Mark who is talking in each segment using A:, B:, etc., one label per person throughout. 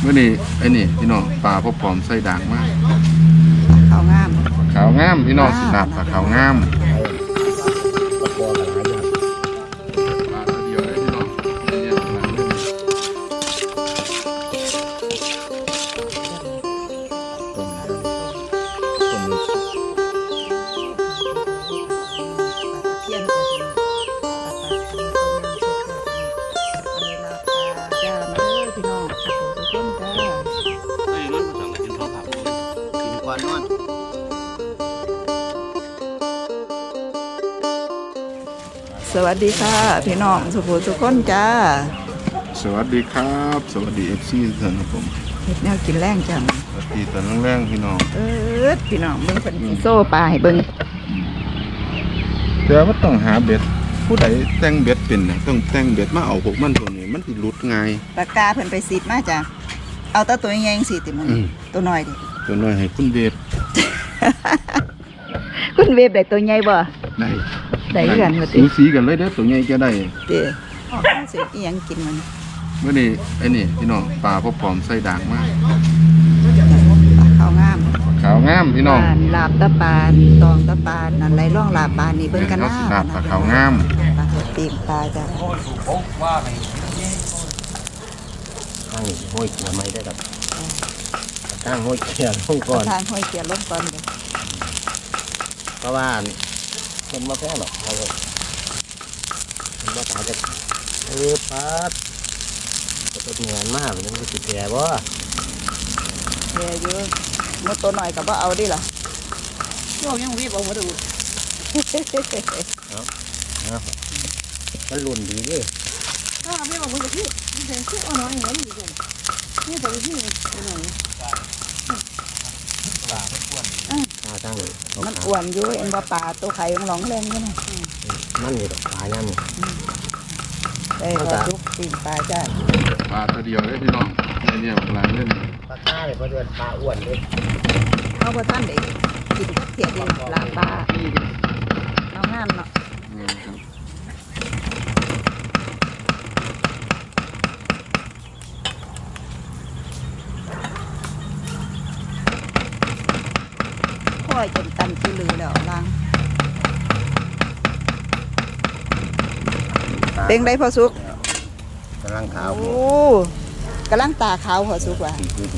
A: เมื่อนี้ไอ้นี่พี่น้องปลาพบปอมใส่ด่างมาก
B: ขาวงาม
A: ขาวงามพี่น้องสิลาบปลาขาวงามปลาตัวเดียวเลยพี่น้องเนี่ยปลาเล่นต้ม
B: เทียนจะเป็นจ้ามาเลยพี่น้องทุกคนจ้าสวัสดีค่ะพี่น้องสุภูทุกคนจ้า
A: สวัสดีครับสวัสดีFCทุกท่านครับผม
B: เห็ดแนวกินแรงจัง
A: สวัสดีตอนแรงๆพี่น้อง
B: พี่น้องเบิ่งเป็นโซ่ปลาให้เบิ่ง
A: แต่ว่าต้องหาเบ็ดผู้ใดแต่งเบ็ดเป็นน่ะต้องแต่งเบ็ดมาเอาพวกมันตัวนี้มันสิหลุดง่าย
B: ปากกาเพิ่นไปซีดมาจ้ะเอาแต่ตัวใหญ่ๆสิติมันตัวน้อยดิ
A: ตัวน้อยให้คุณเวฟ
B: คุณเวฟได้ตัวใหญ่บ่ได้กันว่าติ
A: สูสีกันเลยเด้อตัวใหญ่จะได้
B: เด้อสิอีหยังกินมัน
A: เมื่อนี้ไอ้นี่พี่น้องปลาพบปอมใส่ด่างมาก
B: ขาวงาม
A: ขาวงามพี่น้อง
B: ลาบตะปานตองตะปานนั่นไหลร่องลาบปานนี่เบิ่งกันนะ
A: ลาบปลาขาวงาม
B: ปลาปีกปลาจ้ะ
C: ตั้งห้อยเกียร์ไม่ได้ครับตั้งห้อยเกียร์ลงก่อน
B: ทางห้อยเกียร์ลงก่อนเลย
C: เพราะว่าคนมาแพ้หรอกเราคนมาตายจะพัดจะเหนื่อยมากมันก็ติดแผลบ่
B: แผลเยอะมดตัวหน่อยกับว่าเอาดิล่ะ
C: ช่วงยังวิ่งเอามาดูมันลุ่นดีดิ
D: ถ้าไม่เอามาดูที่มันเป็นคู่อ่อนน้อยอย่างนี้อยู่นี่แต่ที่หน่อย
C: ตั้งเลย
B: มันอ้วนอยู่เอ็นว่าปลาตัวไข่ยังหลงแรงอยู่นะ
C: มันอยู่ดอกปลาเนี่ย
B: ได้ก็ทุกปีปลาจ้า
A: ปลาตัวเดียวเลยพี่น้องเนี่ยปลาเล่น
C: ปลาต้าเลยเพราะเดือนปลาอ้วนเลย
B: เขาบอกท่านได้กินกับเทียดีลาปลาน้องงามเนาะค่อยจนตันที่ลือแล้วล่างเต็งได้พอสุก
C: กำลังขาว
B: โอ้กำลังตาขาวพอสุกว่ะ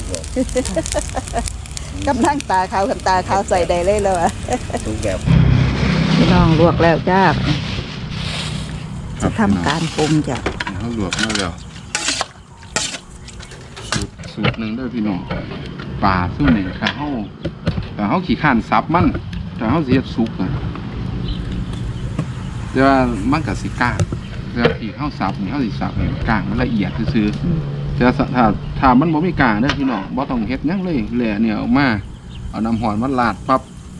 B: กำลังตาขาวกับตาขาวใส่ได้เลยแล้วอ่ะ
C: ทุกแบบ
B: พี่น้องลวกแล้วจ้าจะทำการปรุงจ้ะ
A: เขาลวกมาแล้วสูตรหนึ่งด้วยพี่น้องปลาสู้นี่ค่ะเขาขี่ข้านซับมันแต่เขาเสียบซุกนะแต่ว่ามันกับสิก้าแต่ขี่ข้าวซับนี่เขาสิซับนี่กลางมันละเอียดซื่อแต่ถ้ามันบ่มีกลางเด้อพี่น้องบ่ต้องเฮ็ดยังเลยแหล่เนี่ยออกมาเอาน้ำหอยมาลาดปั๊บ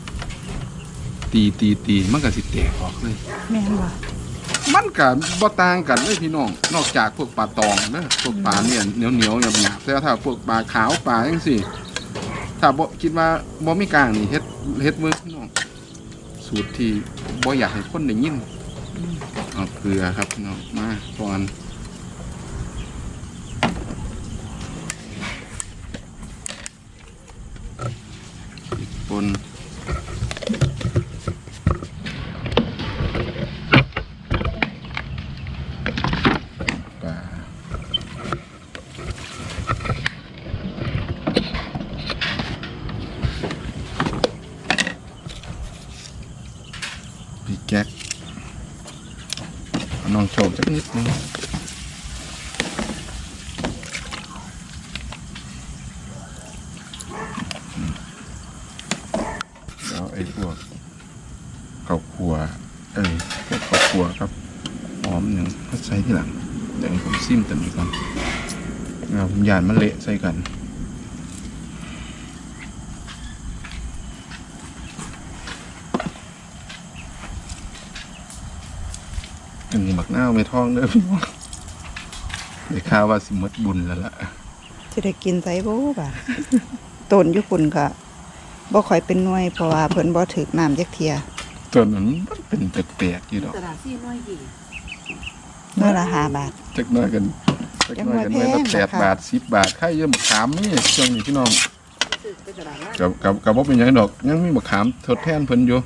A: ตีมันก็สิแตกออกเลย
B: แม่นบ่
A: มันก็บ่ต่างกันเลยพี่น้องนอกจากพวกปลาตองเด้อพวกปลาเนี่ยเหนียวหยาบๆแต่ถ้าพวกปลาขาวปลาจังซี่ถ้าบ่คิดว่าบ่มีกลางนี่เฮ็ดมือพี่น้องสูตรที่บ่อยากให้คนได้ยินเอาเกลือครับพี่น้องมาก่อนปนปลาพี่แก๊กน้องโชว์สักนิดนึงแล้วไอ้พวกข้าวคั่วพวกข้าวคั่วครับหอมหนึ่งใส่ที่หลังเดี๋ยวผมซิมตัวนี้ก่อนผมยานมันเละใส่กันหมักหน้าไม่ท้องเด้อพี่น้องได้ข่าวว่าสิมดบุญแล้วล่ะ
B: จะได้กินไซโบ้ป่ะต้นยุคุณค่ะบ่ค่อยเป็นหน่วยเพราะว่าเพิ่นบ่ถึกน้ำจักเทีย
A: ต้นนั้นเป็นแปลกๆอยู่ดอก
D: ตลาดซี่น้อยดี
B: น้อยละ5 บาท
A: จักน้อยกันเล็กน้อยกันไว้ละ8 บาท 10 บาทใครเยอะมะขามนี่ช่วงนี้พี่น้อง
D: ไปตลาดนะ
A: กับบ่เป็นหยังดอกยังมีมะขามทดแทนเพิ่นอยู่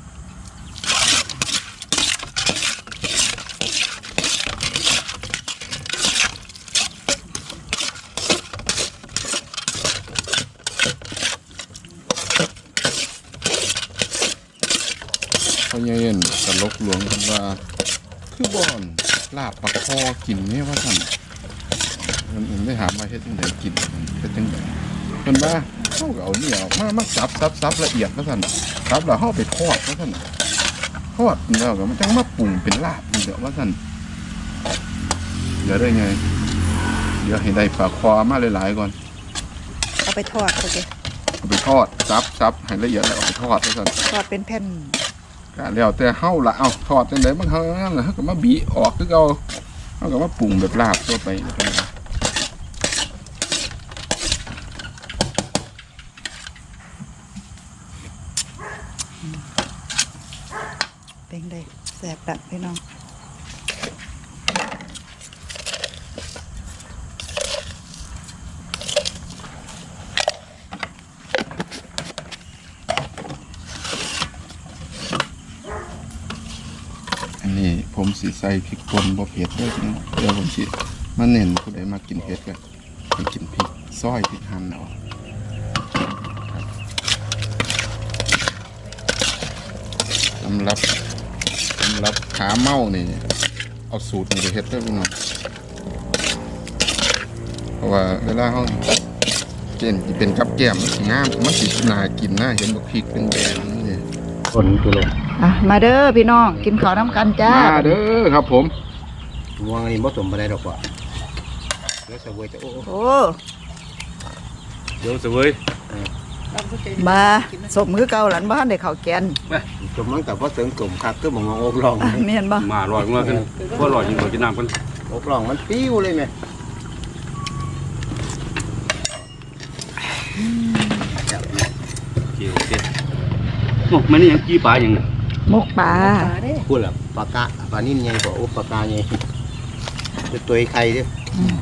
A: พ่อใหญ่เอ็นตลกหลวงเพิ่นว่าคือบ่อนลาบปลาคอกินนี่ว่าซั่นมันได้ถามว่าเฮ็ดจังไดกินเฮ็ดจังไดเพิ่นว่าเฮาก็เอานี่ออกมาสับละเอียดว่าซั่นสับแล้วเฮาไปทอดว่าซั่นทอดแล้วก็มันจังมาปรุงเป็นลาบนี่เด้อว่าซั่นเดี๋ยวได้ไงเดี๋ยวให้ได้ปลาคอมาหลายๆก่อน
B: เอาไปทอดโอเค
A: เอาไปทอดสับให้ละเอียดแล้วเอาไปทอดว่าซั่น
B: ทอดเป็นแผ่น
A: ก็แล้วแต่เฮาละเอาทอดจังไดมันเฮานั่นล่ะเฮาก็มาบีออกคือเอาเฮาก็มาปรุงแบบลาบทั่วไปนะครับ
B: เป็นได้แสบดักพี่น้อง
A: อันนี้ผมสิใส่พริกป่นบ่เผ็ดเด้อพี่น้องเดี๋ยวผมสิมาเน้นผู้ใดมากินเผ็ดก็ให้กินพริกซอยพริกหั่นเอาสำหรับขาเมานี่เอาสูตรนี้ไปเฮ็ดเด้อพี่น้องเพราะว่าเวลาเฮาเจนสิเป็นกับแก้มมันสิงามมันสิน่ากินน่าเห็นบักพริกแดงๆนี่
C: คนตัวลง
B: อ่ะมาเด้อพี่น้องกินข้าวน้ำกันจ้า
A: มาเด้อครับผม
C: มวงอันนี้บ่สมบ่ได้ดอกว่าเดี๋ยวเสวยจะโอ้
B: โอ้
C: เดี๋ยวเสวย
B: มาสมคือเก่าหลันบ้านได้ข้าวแกน
C: สมมันกับว่าเสริมกลุ่มคักคือบ่งอกลอง
B: อ่ะเมียนบ่
E: มาลอยมาขึ้นว่าลอยยิงตัวจีน้ำกัน
C: อกลองมันปิ้วเลยแม่
E: เกี่ยวเด็ดโอ้ไม่นี่ยังกี้ปลาอย่าง
B: มกปลา
C: พูดแล้วปลากะปลานิ่มใหญ่กว่าโอ้ปลากาใหญ่จะตัวไข่ดิ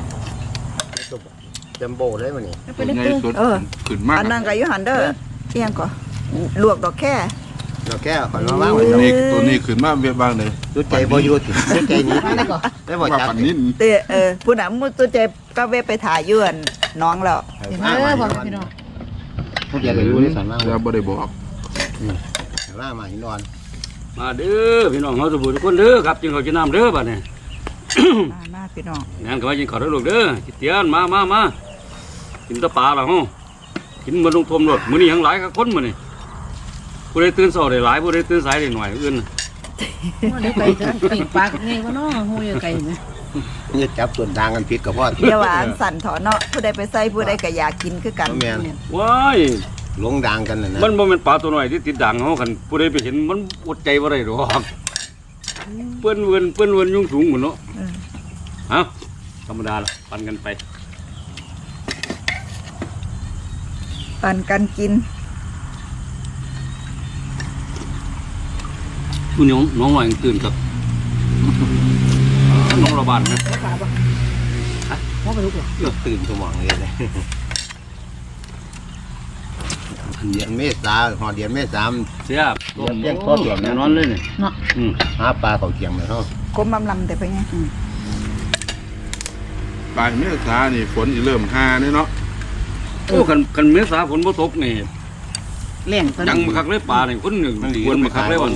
C: จัมโบ้ได้บ่นี่
A: ตัวใหญ่สุดขึ้นมาก
B: อันนั้นก็อยู่หันเด้อเอียงก่อลวกดอกแค่
C: เราแค่ขอนมาว่างไว้
A: ตัวนี้ขึ้นมาเวียบางเลย
C: จุดใจบ่อยู่จุดใจนี้ได้บ่
A: ว่า
C: จับ
A: ปันนิน
B: เตะผู้นำมุตัวใจก็เวไปถ่ายยื่นน้องแล้ว
D: เห็นไหมบอกพี่น้อง
C: พวกอย่าไปรู้ในสันว่าง
A: จะบ่ได้บอก
C: ว่างมาหินอ่อน
E: มาเด้อพี่น้องเขาสบู่ทุกคนเด้อครับจิงเขาจีน้ำเด้อบัดนี้
B: มาพี่น้อง
E: งานก็ว่าจิงเขาเด้อลูกเด้อกิเตียนมากินตะปลาละฮะกินมันลงทมรถมื้อนี้ยังหลายกับคนมื้อนี้ผู้ใดตื่นเช้าได้หลายผู้ใดตื่นสายได้หน่อยอื่น
D: ว่าได้ไก่ปีกปากไงวะน้องหูยไก่ไหม
C: นี่จับส่วนทางกันผิดกับพ่อ
B: เดี๋ยวหวานสั่นถอนเนาะผู้ใดไปใส่ผู้ใดก็อยากกินคือกัน
C: แม่น
E: ว้าย
C: หลงดังกันนะ
E: มันบ่แม่นปลาตัวน้อยที่ติดด่างเฮาคันผู้ใดไปเห็นมันอดใจบ่ได้ดอกเปิ้นเวินยุ่งสูงหมดเนาะฮะธรรมดาละปันกันไป
B: ปันกันกิน
E: ผู้น้องหน่อยตื่นกับน้องระบาดนะ
D: ขาปะว่าไปลูกเหรอ
C: เลือกตื่นสมองเลยเดือนเมษาหอเดือนเมษา
E: เสียบ
C: เลี้ยงพ่อเดือน
E: แน่นอนเลยนี่
D: เนาะ
C: หาปลาเขาเกียงเลยเนาะ
B: คมลำแต่ไปไง
A: ปลายเมษานี่ฝนสิเริ่มหาเนี่ยเนาะ
E: โอ้คันเมษาฝนบ่ตกนี่
D: แรงตอน
E: ยัง
D: นี้
E: มาคักเลยปลานี่คนหนึ่งควรมาคักเลยวัน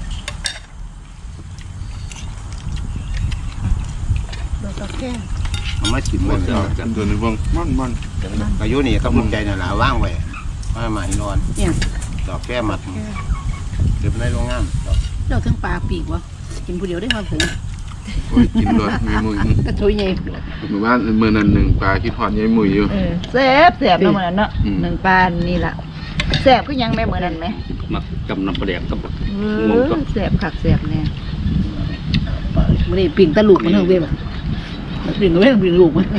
B: ดอกแค่
C: เอามาจิ้มไว้
A: ตัวนี้เบิ่งมัน
C: อายุนี่ก็มุ่งใจน่ะล่ะว่างไว้มาหินอ่อน
D: เนี่ย
C: ดอกแก้มัดเก็บในโรงงาน
D: เราเครื่องปลาปีกวะกินผู้เดียวได้ความถึง
A: โอ้ยกินเลยมีมือก
D: ระทุยไง
A: หมู่บ้านมื้อนั้นหนึ่งปลาคิดฮอดยายมืออยู่
B: แซ่บแซ่บเนาะมื้อนั้นเนาะ
A: อืม
B: หนึ่งปลานี่ล่ะแซ่บคือยังแม่มื้อนั้นไหม
E: มักจำน้ำปลาแดกกับ
B: แซ่บคักแซ่บแน่
D: มันนี่ปิ่งตะลุกมันเท่าเว้ยมันปิ่งก็ไม่ปิ่งลูกมัน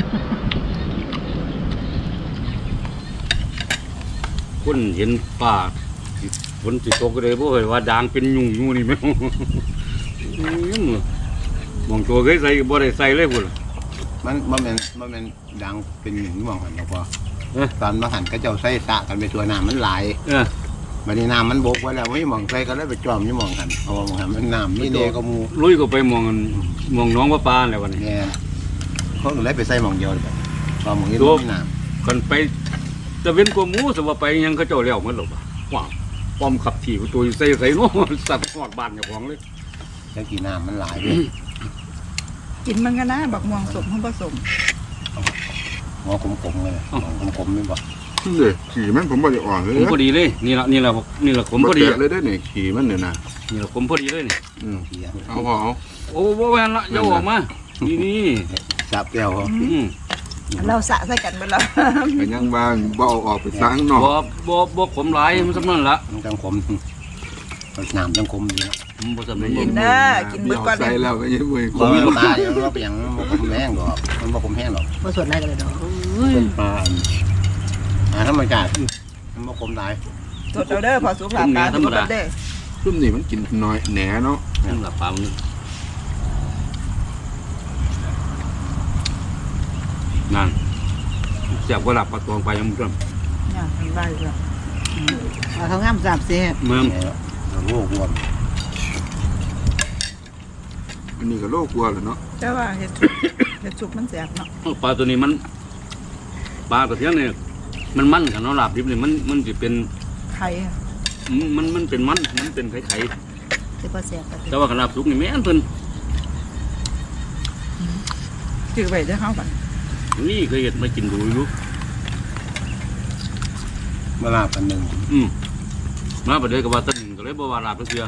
E: คนเห็นปลาฝนสิตกก็เลยบ่เห็นว่าด่างเป็นยุ่งอยู่นี่แม่มองตัวเคยใส่บ่ได้ใส่เลยพุ่น
C: มันเป็นดังเป็นหนึ่งมองกันแล้วพอตอนมาหันก็เจ้าใส่สะกันไปตัวน้ำมันไหลบัดนี้น้ำมันบกไว้แล้วไม่มองใส่ก็เลยไปจอมนี่มองกันเอามองกันมันน้ำไม่เดก็มู
E: ลุยก็ไปมองน้องปลาแล้ววันนี้
C: เนี่ยเขาก็เลยไปใส่มองเดียวเลยพอมองนี้ไม่น้ำ
E: กันไปจะเว้นกว่าหมูสว่าไปยังเขาเจ้าเลี้ยวมันหรอว้าวป้อมขับขี่ตัวใส่โน้สัตว์หอดบ้านอย่างของเลย
C: แล้วกี่น้ำมันไหลไป
B: กินมันก็นะบักม่วงสมห้องผสม
C: หัวขมๆเลยขมๆไม่บอก
A: เด้ขี่มันผมบ่ได้อ่อนเลย
E: ผมพอดีเลยนี่ละผมพอดี
A: เลยได้เนี่ยขี่มันเนี่ยนะ
E: นี่ละผมพอดีเลยนี่
A: เอาพอเอา
E: โอ้บ่แม่นละอย่าออกมานี่
C: จับแก้วเขา
B: เราสะใส่กันไปแล้ว
A: ไปยังบ้านบ่เอาออกไปล้างนอก
E: บ่ขมหลายมันสำนั่นละ
C: มันจังขมน้ำจังขมดีนะ
E: บ่สำนั่น
B: กินนะกินเบิดก่อน
A: ใส่แล้วก็ยังไม่
C: ขมมันตายมันว่าเป็นอย่างมันขมแห้งดอกมันว่าขมแห้งดอก
D: บ่ส่วนไรกันเลยดอก
C: เป็นปลาธรรมชาติมันว่าขมตาย
B: สดเอาเด้อพอสุกหลาบตาสุกเด้อ
A: ซุ่มนี่มันกินน้อยแหน่เนาะ
E: นั่นละปลามันนั่นแซ่บกว่าหลับปลาตองไปยังมึง
B: เนี่ยทำได้เลย
D: เขางามสาบเสีย
E: เมือง
C: โรครวม
A: อันนี้ก็โลกลัวแหละเนาะ
B: แต่ว่าเห็ดสุกมันแสบเนาะ
E: ปลาตัวนี้มันปลากระเทียมเนี่ยมันกันเนาะลาบดิบเนี่ยมันจะเป็น
B: ไข่
E: มันเป็นมันเป็นไข่
B: จะพอแสบกัน
E: แต่ว่าขนาดสุกนี่แม่นเพิ่น
B: จืดไปเด้อเขากัน
E: นี่เคยเห็นมากินดูอยู่
C: เวลาพันหนึ่ง
E: มาประเดี๋ยวกับว่าต้นก็เลยบ่ว่าลาบเทื่อ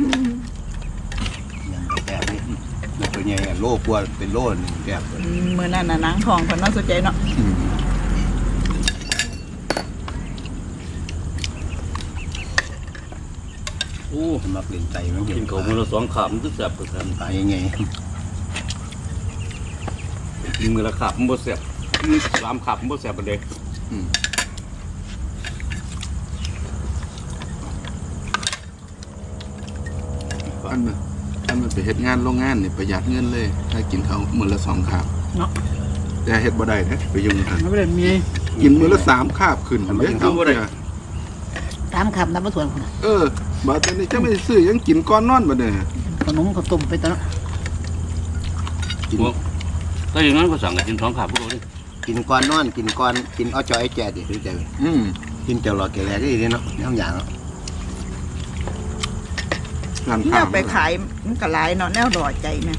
C: อย่างแต่นี่มันตัวใหญ่โลกลัวเป็นโลหนึ่งแบบ
B: มือนั่นน่ะนางทองคนน่าสนใจเนาะ
E: โอ้
C: สำหรับเล่นใจมัน
E: กินเขาวมื้อละ2ขาบมันคือแซ่บกว่ากัน
C: ตายยังไง
E: กินมื้อละขาบมันบ่แซ่บมื้อ3ขาบมันบ่แซ่บปานใด
A: อันมันไปเฮ็ดงานโรงงานนี่ประหยัดเงินเลย ถ้ากินเขามื้อละ2คาบ
D: เนาะ
A: แต่เฮ็ดบ่ได้เด้ไปยุ่งกัน
D: มันไม่ได้มี
A: กินมื้อละ3คาบขึ้นเด้เขาบ่ได้
D: ตามคำนับมาส่วนคน
A: บัดนี้จะไม่ซื้อยังกินก่อนนอนบัดนี้
D: ขนมข้าวต้มไปตอนนั้น
E: ถ้าอย่างนั้นก็สั่งกันกิน2ขาบพวกเราดิ
C: กินก้อนนอนกินก้อนกินเอาจอยไอ้แก่ดิรู้ใจ กินเจ้าหลอดแก่แก่ดีเนาะน้ำยางเนาะ
A: ร้าน
B: เนี่
A: ค้าย
B: ไปขายมันก็หลายเนาะแนวดอใจแม่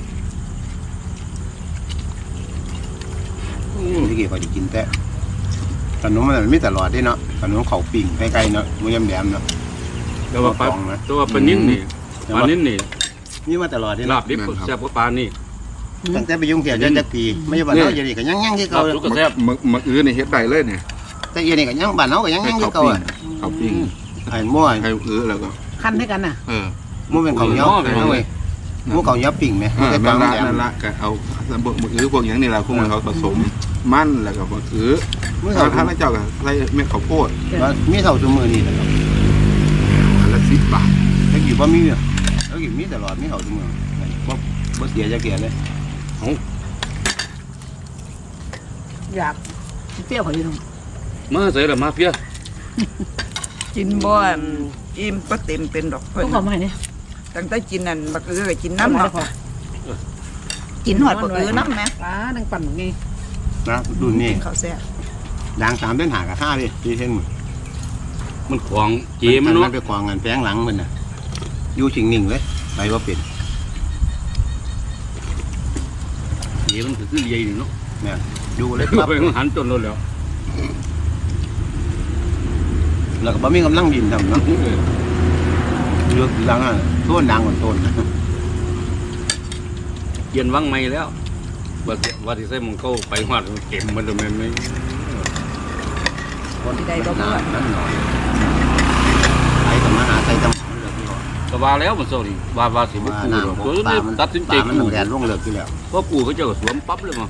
C: ที่กี่พอจะกินแต่ขนมมันไม่ตลอดด้วยเนาะขนมเขาปิ่งใกล้ๆเนาะมันยำแหลมเนาะ
E: แต่ว่าปลานิ่นนี่ปลานิ่นนี่
C: นี่มาตลอดด้วย
E: ลา
C: เนาะ
E: บดิบแซ่บกว่าปลานี่
C: ตั้งแต่ไปยุ่งเกี่ยวจักปีไม่ใช่บ้านเราอย่างนี้ก็ยังที่
E: ลา
C: เก่า
E: บสุกก็แซ่บ
A: มื้ออื่นนี่เฮ็ดได้เลยเนี่ย
C: แต่อย่างนี้ก็ยังบ้านเราก็ยังที่เก่าอ่ะ
A: เขาปิ้ง
C: ไอ้มั่ว
A: ไข่แล้วก็
D: คันให้กันน่ะ
C: มั่วเป็นของเยอะนะเว้ยมั่วของเยอะปิ่งไหมไม่ใช่
A: นั่
C: ปั
A: น
C: ง
A: ละ
C: แหลม
A: นั่นละก็เอาพวกอย่างนี้ล่ะพวกมันเขาผสมมันแล้วก็ถ้าเจ้าก็ใส่เม็ดข้าวโพด
C: มีเท่าชั่วโมงนี่แหละ
A: อันละ10 บาท
C: ถ้ากี่ว่ามีอ่ะถ้ากี่มีตลอดมีเท่าชั่วโมงบ่เสียจะเกลียเลย
D: อยากเปรี้ยวเขาอยู่ตรง
E: มาใส่ละมาเพีย
B: กินบ่อิ่มก็เต็มเป็นดอกเพิ่น
D: ต้องขอมาให้เนี่ย
B: ตั้งแต่กินนั่นบักก็กินน้ำเนาะกินหอดบักน้ำแม่
D: ปลาดังปั่นไง
C: นะดูนี่
B: กินข้าวแซ่บ
C: ดัง3เดือนหากับ5ดิที่เช่นมึง
E: มันของเจมัน
C: มั
E: เนาะ
C: นไปกองกันแฝงหลังมันน่ะอยู่ชิงนิ่งเลยไปว่าเป็น
E: เจมันคือใหญ่นี่เนาะ
C: เนี่ยดูเลย
E: ไปหันจนรถแล้ว
C: แล้วก็บ่มีกำลังดินทำเนาะเลือกดังอ่ะต้นดังกว่าต้น
E: เกียนวังไม่แล้วว่าที่ใส่มงเข้าไปหอดเก็บมันเลยไม่
C: นั่นหน่อยไปกับมาหาใส่ตำมันเลือกที่หอ
E: ก็ว่าแล้วมันโซนี่ว่าสิบุ
C: ว่า
E: กู
C: น้ำ
E: ตัวนี้ตัดสินใจ
C: มัน
E: กู
C: แดดร่วงเลือกที่แล้ว
E: เพราะกูเขาเจ้าสวมปั๊บเลยมั้ง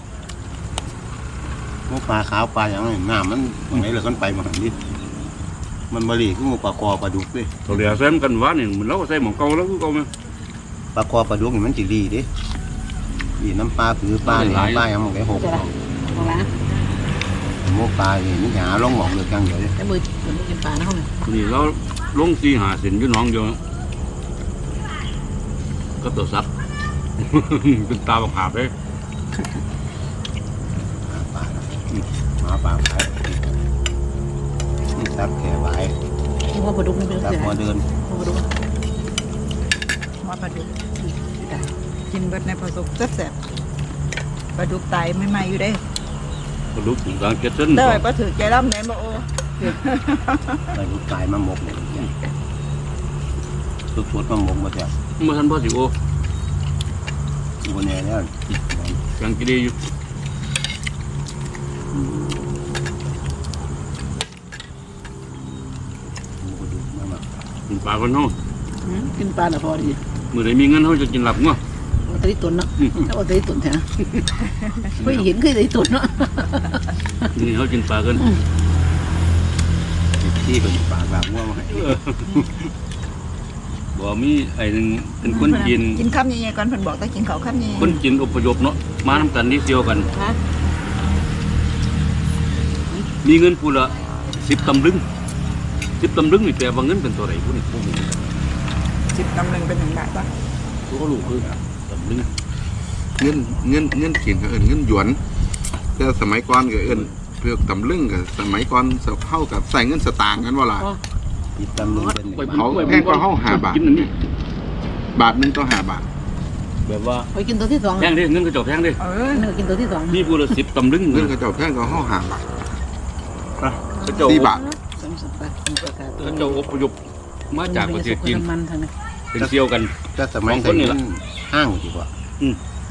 C: หมูปลาขาวปลาอย่างนั้นน้ำมันไหนเหลือกันไปมาหันดิมันบริคือหมูปลาคอปลาดุกดิ
E: ตัวเดียวใส่กันว่านี่มันเราใส่หมองเก่าแล้วกูเก่าไหม
C: ปลาคอปลาดุกนี่มันจีรีดิอีน้ำปลาผือปลาเนี่ยปลาอย่างมันได้หก
D: จะละมองละ
C: หมูปลาเนี่ยนี่หาลงหมอกเลยจังเดียวเลย
D: แต่มือมันกินปลานะเขาเนี่ย
E: นี่เราลงสีหาเส้นอยู่หน้องเดียวก็ตัวซับ เป็นตาบักหาบเลย
C: หาปลาขายนี่ซับแขวไว้
D: ที่ว่าปลาดุกนี่เป็น
C: ซับ
D: เสือ
C: หัวเดิน
D: ปลาดุก
B: หัวปลาดุกกินเบิดในผสมแซ่บๆปลาดุกตายไม่มาอยู่ได้
E: กระดูกกลางเจ็ดเส้น
B: ได้ไว้บ่ถือใจร่ำแม่นบ่โอ
C: ไปลูกกายมาหมกเลยสุดๆมาหมกมาแท้
E: เมื่อท่านพ่อสิโอ
C: บนแน่แล้ว
E: กลางกิเลอยู่ กินปลาคนเฮา
D: กินปลาแต่พอดี
E: มื่อไหรมีเงินเฮาจะกินหลับงัว
D: เอาตะลิตุนเนาะเอาตะลิตุนแท้ไม่เห็นเคยตะลิตุนเนาะ
E: นี่เฮากินปลากัน
C: ที่เป็นปลาแบบง่วงให้
E: บ่มีไอ้หนึงเป็นคนจีน
B: กินคำใหญ่ๆก่อนเพิ่นบอกต้องกินข้าวคำใหญ่
E: คนจีนอพยพเนาะมานํกันนี่เดียวกัน
D: ฮะ
E: มีเงินผู้ละ10 ตำลึง10 ตำลึงนี่แปลว่าเงินเป็นตัวไหนผู้นี่ผู้นี่
B: 10 ตำลึงเป็น1 บาทป่ะ
E: ผู้ก็รู้คือตำลึง
A: เงินเขียนก็เอิ้นเงินหยวนแต่สมัยก่อนก็เอิ้นเพื่อตำลึงก็สมัยก่อนเฮากับใส่เงินสตางค์กันว่าล่ะ
C: ติดตำลึงเป็น
A: เขาแพงกว่าเฮา5 บาท
E: กินอันนี้
A: บาทหนึงต่อ5 บาท
E: แบบว่า
D: ไปกินตัวที่2
E: แพงเด้เงินก็เจ้าแพงเด้
D: เนื้อกินตัวที่2
E: มีผู้ละ10 ตำลึง
A: เงินเขาเจ้าแพงกว่าเฮา5 บาท
E: เขาเจ้า
A: 4 บาท
D: 30 บาทประกาศ
E: เขาเจ้าอพยพมาจากประเทศจีน
D: มันทางนั้น
E: เป็นเซียวกัน
C: ถ้าสมัยใส่ห้างดีกว่า
E: อืม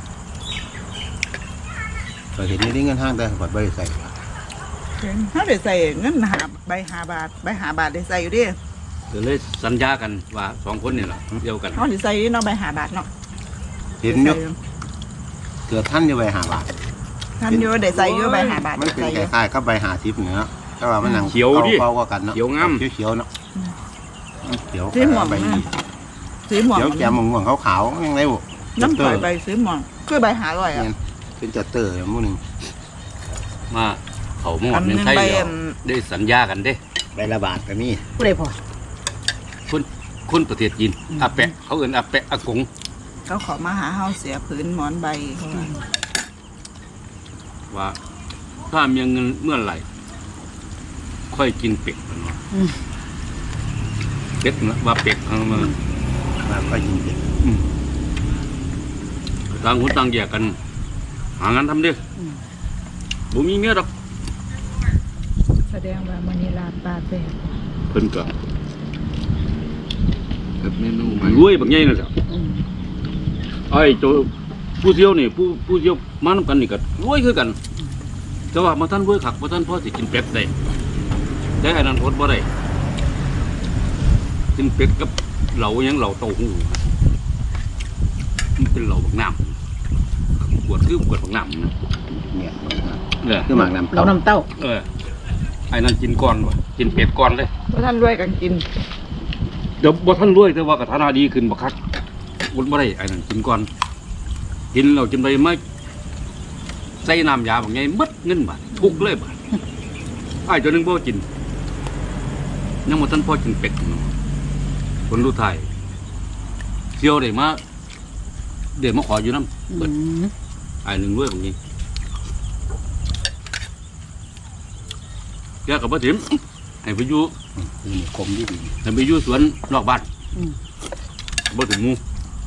C: เราเห็นนี่เงินห้างแต่ปัดบริใส่
B: ถ้าได้ใส่เงินใบ5 บาทใบ5 บาทได้ใส่อยู่ดิ
E: ก็เลยสัญญากันว่า2 คนนี่แหละเดียวกัน
B: เฮาสิใส่เนาะใบ5 บาทเนาะ
C: เห็นอยู่เกือบท่านอยู่ใบหาบาท
B: ท่านอยู่ได้ใส่อยู่ใบ5 บาท
C: มันเป็น
B: ใส่อ
C: ค
B: ยู่
C: ล้ายๆกับใบหาทิพย์เนาะแต่ว่ามันหนังเบากันเนาะเขียวเนาะเขียวใบนี้
B: สีหม่วง
C: เขียวแก้มม่วงขาวๆยังไงบุ
B: น้ำข่อยใบสีหม่วงคือใบ500อ่ะ
C: เป็นจัตเตอร์มู่นึง
E: มาเขาหมอดเมืองไทยแล้วได้สัญญากันเด้
C: ใบละบาทก็มี
D: ผู้ใดพอ
E: คนประเทศจีนอาแปะเขาเอิ้นอาแปะอากง
B: เขาขอมาหาเฮาเสียผืนหมอนใบเขาว่า
E: ว่าถ้ามีเงินเมื่อไหร่ค่อยกินเป็ดมันว่าเป็ดนะว่าเป็ดเอามา
C: มาก็ยิงเด็ก
E: ต่างคนต่างแยกกัน หางานทำเด้บ่มีเมียดอก
B: แสดงว่ามันนี่ลาปลาแซ่บ
E: เพิ่นก็
A: เฮ็ดเมนูใหม่
E: รวยบักใหญ่นั่นแหละไอ้โจผู้เที่ยวนี่ผู้เที่ยวมานำกันนี่ก็รวยคือกัน แต่ว่ามาท่านรวยคักบ่ท่านพอสิกินเป็ดได้แต่อันนั้นอดบ่ได้กินเป็ดกับเหล่าหยังเหล่าเต้าหู้มันเป็นเหล่าบักน้ำขวดคือขวดบักน้ำนะ
C: เนี่ย
E: เนี่ย
C: คือหมากน้ำ
D: เรานำเต้า
E: ไอ้นั่นกินก่อนวะกินเป็ดก่อนเลย
B: เพราะท่านรวยกันกิน
E: เดี๋ยวบ่ท่านรวยแต่ว่ากระทานาดีขึ้นบักคักวุ้นบ่ได้ไอ้นั่นกินก่อนกินเรากินไปไม่ใส่น้ำยาบางไงมัดเงินบาททุกเลยบาทไอ้เจ้านึงบ่กินยังบ่ท่านพ่อกินเป็ดอยู่เนาะคนรู้ไทยเที่ยวได้มาเดี๋ยวมาขออยู่น้ำเปิดไอ้หนึ่งรวยบางไงแกกับพ่อถิ่มให้ไปอยู่
C: นี่คมดี
E: ให้ไปอยู่สวนนอกบ้านบ่ถึงหมู่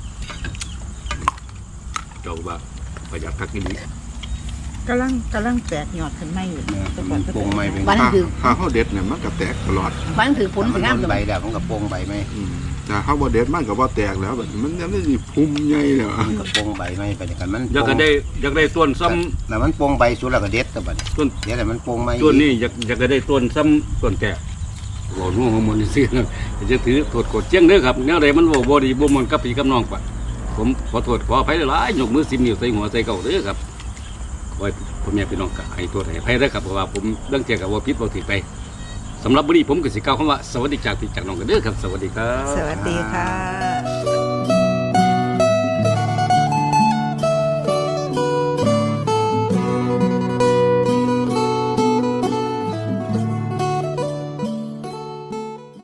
E: เจ้าบ้าประหยัดคักกินนี้
B: กำลังแตกยอดขึ้นมาอยู่
C: มันโป่งใหม่เป็น
D: บ้านถือ
A: ถ้าเฮาเด็ดเนี่ยมันก็แตกตลอด
D: บ้านถือผลสวยงาม
C: ใบแล้วมันกับโป่งใบไหม
A: ถ้าเฮาบ่เด็ดมันก็บ่แตกแล้วแบบมันยังได้สิพุ่มใหญ่แล้ว
C: มันกับโป่งใบไหมไปอย่างกันมัน
E: อยากได้ต้นซ้ำ
C: แล้วมันโป่งใบสุดแล้วก็เด็ดแต่บัด
E: ต้น
C: เดี๋ยวแต่มันโป่งไหม
E: ต้นนี้อยากได้ต้นซ้ำต้นแก่โอ้โหมันสิจะถือโทษกดเจียงเด้อครับแนวใดมันบ่ดีบ่มันกับพี่กับน้องปะผมขอโทษขออภัยหลายยกมือ10 นิ้วใส่หัวใส่เก้าเด้อครับขอให้พ่อแม่พี่น้องก็ให้โทษให้อภัยเด้อครับเพราะว่าผมเรื่องเกี่ยวกับว่าผิดบ่ถูกไปสำหรับวันนี้ผมก็สิกล่าวคำว่าสวัสดีจากพี่จากน้องกันเด้อครับสวัสดีครับ
B: สวัสดีค่ะ